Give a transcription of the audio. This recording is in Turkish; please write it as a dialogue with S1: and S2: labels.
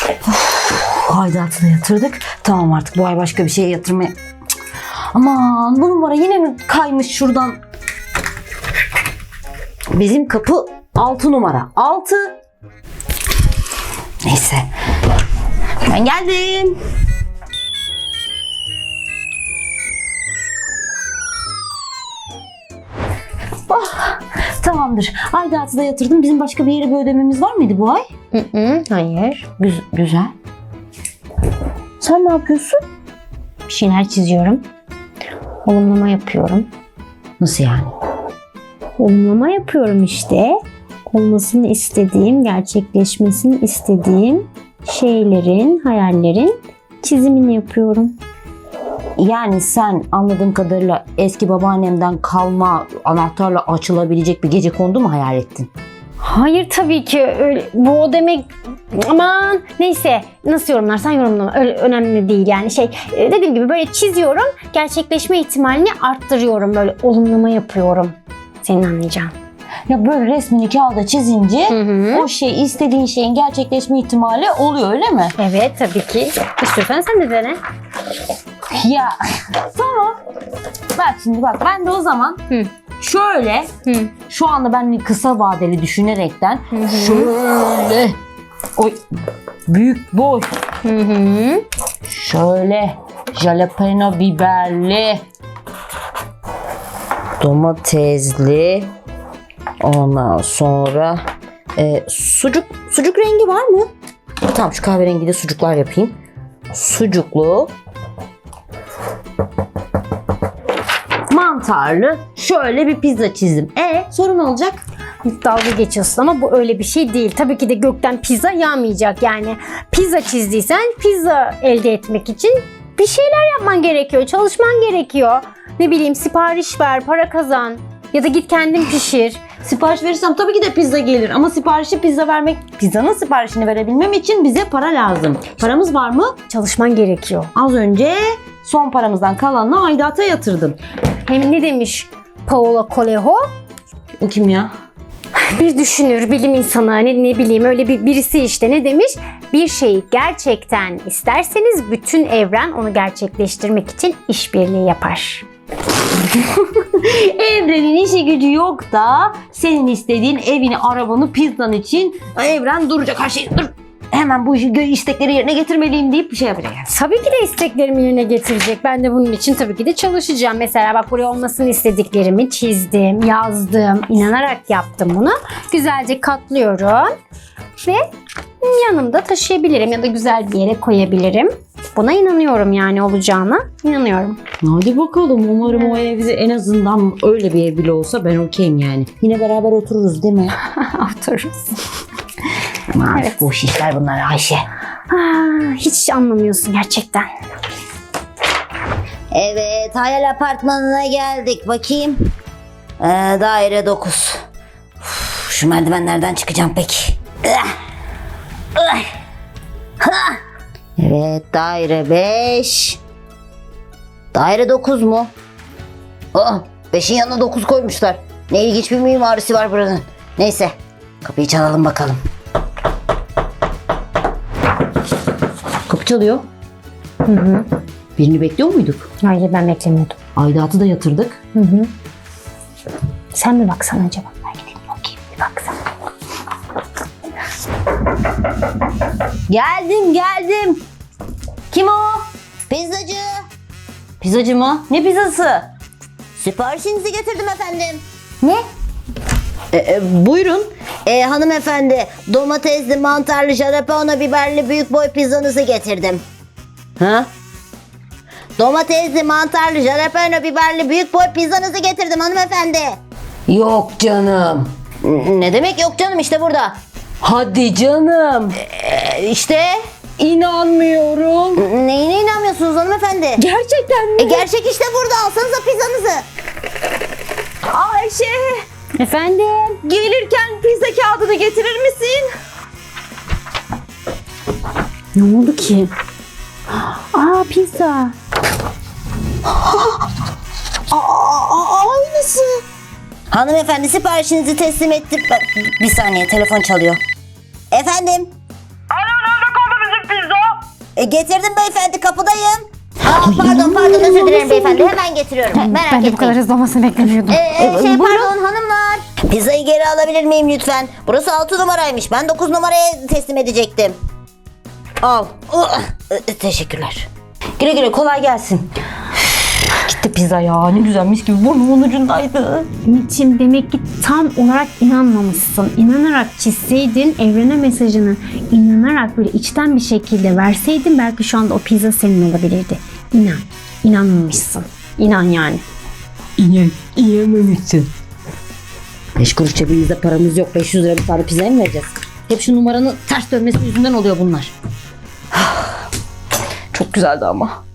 S1: Aidatı da yatırdık. Tamam, artık bu ay başka bir şeye yatırmaya... Aman, bu numara yine mi kaymış şuradan? Bizim kapı 6 numara. 6. Neyse. Ben geldim. Oh, tamamdır. Aidatı da yatırdım. Bizim başka bir yere bir ödememiz var mıydı bu ay?
S2: Hayır.
S1: Güzel. Sen ne yapıyorsun?
S2: Bir şeyler çiziyorum. Olumlama yapıyorum.
S1: Nasıl yani?
S2: Olumlama yapıyorum işte. Olmasını istediğim, gerçekleşmesini istediğim şeylerin, hayallerin çizimini yapıyorum.
S1: Yani sen anladığım kadarıyla eski babaannemden kalma anahtarla açılabilecek bir gecekondu mu hayal ettin?
S2: Hayır tabii ki öyle, bu o demek, aman neyse, nasıl yorumlarsan yorumlama, öyle önemli değil yani dediğim gibi böyle çiziyorum, gerçekleşme ihtimalini arttırıyorum, böyle olumlama yapıyorum, senin anlayacağın.
S1: Ya böyle resmini kağıda çizince o şey, istediğin şeyin gerçekleşme ihtimali oluyor, öyle mi?
S2: Evet tabii ki. İstiyorsan sen de dene.
S1: Ya tamam. Bak ben de o zaman şöyle şu anda ben kısa vadeli düşünerekten şöyle büyük boy şöyle jalapeno biberli, domatesli, ondan sonra sucuk rengi var mı? Tamam, şu kahverengi de sucuklar yapayım. Sucuklu, mantarlı şöyle bir pizza çizdim. Sorun olacak?
S2: Dalga geçiyorsun ama bu öyle bir şey değil. Tabii ki de gökten pizza yağmayacak yani. Pizza çizdiysen pizza elde etmek için bir şeyler yapman gerekiyor. Çalışman gerekiyor. Ne bileyim, sipariş ver, para kazan. Ya da git kendin pişir.
S1: Sipariş verirsem tabii ki de pizza gelir ama pizzanın siparişini verebilmem için bize para lazım. Paramız var mı?
S2: Çalışman gerekiyor.
S1: Az önce son paramızdan kalanla aidata yatırdım.
S2: Hem ne demiş Paulo Coelho?
S1: O kim ya?
S2: Bir düşünür, bilim insanı, ne bileyim öyle birisi işte, ne demiş? Bir şeyi gerçekten isterseniz bütün evren onu gerçekleştirmek için işbirliği yapar.
S1: Evrenin işi gücü yok da senin istediğin evini, arabanı, pizzan için evren duracak, her şey dur. Hemen bu istekleri yerine getirmeliyim deyip bir şey yapacak.
S2: Tabii ki de isteklerimi yerine getirecek. Ben de bunun için tabii ki de çalışacağım. Mesela bak, buraya olmasını istediklerimi çizdim, yazdım, inanarak yaptım bunu. Güzelce katlıyorum ve yanımda taşıyabilirim ya da güzel bir yere koyabilirim. Buna inanıyorum, yani olacağına inanıyorum.
S1: Hadi bakalım, umarım o ev bize en azından öyle bir ev bile olsa ben okeyim yani. Yine beraber otururuz değil mi?
S2: Otururuz.
S1: Aman
S2: Evet.
S1: boş işler bunlar Ayşe.
S2: Hiç anlamıyorsun gerçekten.
S1: Evet, hayal apartmanına geldik. Bakayım. Daire 9. Şu merdivenlerden çıkacağım peki. Evet, daire 5. Daire 9 mu? 5'in yanına 9 koymuşlar. Ne ilginç bir mimarisi var buranın. Neyse, kapıyı çalalım bakalım. Kapı çalıyor. Birini bekliyor muyduk?
S2: Hayır, ben beklemiyordum.
S1: Aidatı da yatırdık.
S2: Sen mi baksan acaba? Ben gideyim bakayım, bir baksana.
S1: Geldim. Kim o?
S3: Pizzacı,
S1: Pizzacı mı? Ne pizzası?
S3: siparişinizi getirdim efendim.
S1: Ne? Buyurun.
S3: Hanımefendi, domatesli, mantarlı, jalapeno biberli büyük boy pizzanızı getirdim.
S1: Ha?
S3: Domatesli, mantarlı, jalapeno biberli büyük boy pizzanızı getirdim hanımefendi.
S1: Yok canım.
S3: Ne demek yok canım, işte burada.
S1: Hadi canım.
S3: İşte.
S1: İnanmıyorum.
S3: Neyine inanmıyorsunuz hanımefendi?
S1: Gerçekten mi?
S3: Gerçek işte burada, alsanıza pizzanızı.
S1: Ayşe,
S2: Efendim?
S1: gelirken pizza kağıdını getirir misin?
S2: Ne oldu ki? Pizza.
S1: Aynısı.
S3: Hanımefendi, siparişinizi teslim ettim. Bir saniye, telefon çalıyor. Efendim?
S4: Alo, nerede kaldı bizim
S3: Getirdim beyefendi, kapıdayım. Pardon özür dilerim beyefendi, hemen getiriyorum. Merak
S2: Ben de
S3: etmeyin.
S2: bu kadar hızlı olmasını beklemiyordum.
S3: Pardon hanımlar. Pizzayı geri alabilir miyim lütfen? Burası 6 numaraymış. Ben 9 numaraya teslim edecektim. Al. Teşekkürler.
S1: Güle güle, kolay gelsin. Gitti pizza ya, ne güzel, mis gibi burnumun ucundaydı.
S2: Ümit'ciğim demek ki tam olarak inanmamışsın. İnanarak çizseydin evrene mesajını, inanarak böyle içten bir şekilde verseydin belki şu anda o pizza senin olabilirdi. İnan. İnanmamışsın. İnan yani.
S1: İnanmamışsın. 5 kuruş cebimizde paramız yok. 500 lira bir tane pizzaya mı vereceğiz? Hep şu numaranın ters dönmesi yüzünden oluyor bunlar. Çok güzeldi ama.